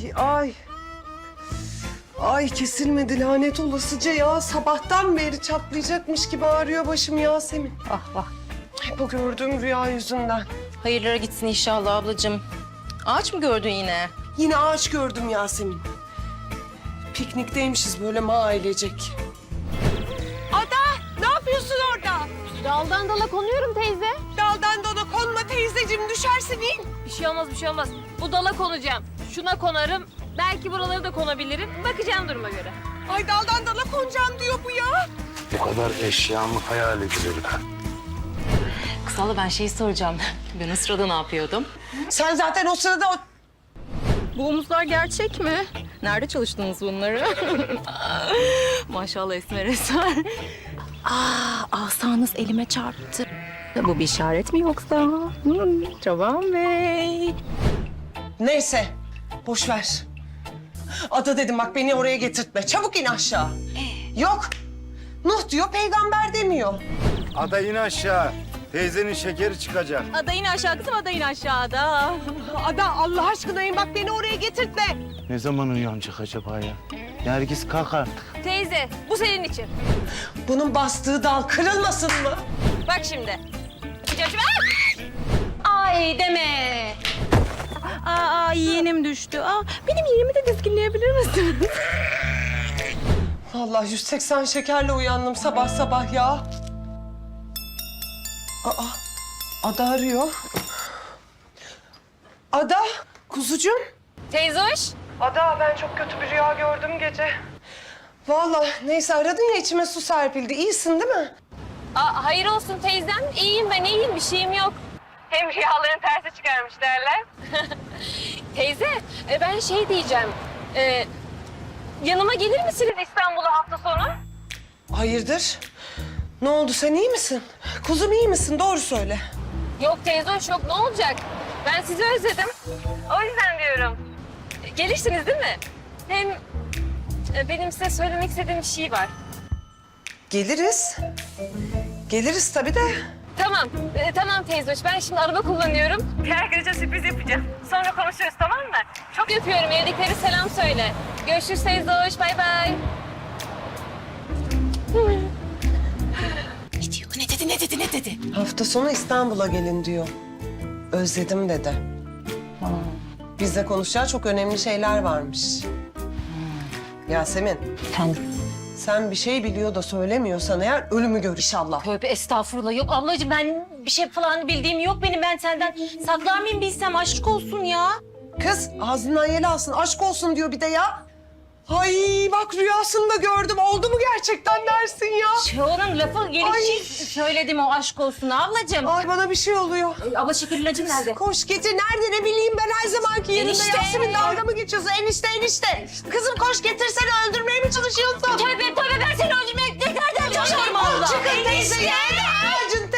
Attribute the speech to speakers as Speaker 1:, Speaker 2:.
Speaker 1: ay. Ay kesilmedi lanet olasıca ya. Sabahtan beri çatlayacakmış gibi ağrıyor başım Yasemin.
Speaker 2: Ah vah.
Speaker 1: Hep o gördüğüm rüya yüzünden.
Speaker 2: Hayırlara gitsin inşallah ablacığım. Ağaç mı gördün yine?
Speaker 1: Yine ağaç gördüm Yasemin. Piknikteymişiz böyle ailecek. Ada ne yapıyorsun orada?
Speaker 3: Daldan dala konuyorum teyze.
Speaker 1: Daldan dala konma teyzeciğim düşersin in.
Speaker 3: Bir şey olmaz, bir şey olmaz. Bu dala konacağım. Şuna konarım. Belki buraları da konabilirim. Bakacağım duruma göre.
Speaker 1: Ay daldan dala konacağım diyor bu ya.
Speaker 4: Bu kadar eşyamı hayal edilir.
Speaker 2: Kız abla ben şey soracağım. Ben o sırada ne yapıyordum?
Speaker 1: Sen zaten o sırada
Speaker 2: Bu omuzlar gerçek mi? Nerede çalıştınız bunları? Maşallah Esmer Eser. Asanız elime çarptı. Bu bir işaret mi yoksa? Çoban Bey.
Speaker 1: Neyse, boş ver. Ada dedim bak beni oraya getirtme. Çabuk in aşağı. Yok. Nuh diyor, peygamber demiyor.
Speaker 4: Ada in aşağı. Teyzenin şekeri çıkacak.
Speaker 2: Adayın aşağı kızım, adayın aşağıda.
Speaker 1: Ada Allah aşkına in bak beni oraya getirtme.
Speaker 4: Ne zaman uyanacak acaba ya? Nergis kalk artık.
Speaker 3: Teyze, bu senin için.
Speaker 1: Bunun bastığı dal kırılmasın mı?
Speaker 3: Bak şimdi. Yapacağım şimdi.
Speaker 2: Ay deme. Aa yeğenim düştü. Benim yeğenimi de dizginleyebilir misin?
Speaker 1: Vallahi 180 şekerle uyandım sabah sabah ya. Ada arıyor. Ada, kuzucuğum.
Speaker 3: Teyze hoş.
Speaker 1: Ada ben çok kötü bir rüya gördüm gece. Vallahi neyse aradın ya içime su serpildi. İyisin değil mi?
Speaker 3: Hayır olsun teyzem. İyiyim ben, iyiyim. Bir şeyim yok. Hem rüyaların tersi çıkarmış derler. Teyze, ben şey diyeceğim. Yanıma gelir misiniz İstanbul'a hafta sonu?
Speaker 1: Hayırdır? Ne oldu sen iyi misin? Kuzum iyi misin? Doğru söyle.
Speaker 3: Yok teyze hoş yok. Ne olacak? Ben sizi özledim. O yüzden diyorum. Gelirsiniz değil mi? Hem benim size söylemek istediğim bir şey var.
Speaker 1: Geliriz. Geliriz tabii de.
Speaker 3: Tamam, tamam teyze hoş. Ben şimdi araba kullanıyorum. Bir arkadaşa sürpriz yapacağım. Sonra konuşuruz tamam mı? Çok öpüyorum. Evdekilere selam söyle. Görüşürüz teyze hoş. Bay bay.
Speaker 2: Ne diyor? Ne dedi?
Speaker 1: Hafta sonu İstanbul'a gelin diyor. Özledim dedi. Bizle konuşacağı çok önemli şeyler varmış. Yasemin, sen bir şey biliyor da söylemiyorsan eğer ölümü gör inşallah.
Speaker 2: Tövbe estağfurullah. Yok ablacığım ben bir şey falan bildiğim yok benim. Ben senden saklar mıyım bilsem aşk olsun ya.
Speaker 1: Kız ağzından yel alsın aşk olsun diyor bir de ya. Ay bak rüyasında gördüm oldu mu gerçekten dersin ya.
Speaker 2: Onun lafı gelişi söyledim o aşk olsun ablacığım.
Speaker 1: Ay bana bir şey oluyor.
Speaker 2: Abla şeker ilacın nerede?
Speaker 1: Koş getir nerede ne bileyim ben her zamanki yerinde.
Speaker 2: Enişte.
Speaker 1: Yasemin dalga mı geçiyorsun enişte. Kızım koş getirsene öldürmeye mi çalışıyorsun?
Speaker 2: Tövbe ben seni öldürmeye ne kadar çalışıyorum Allah.
Speaker 1: Çıkın teyze ya ağacın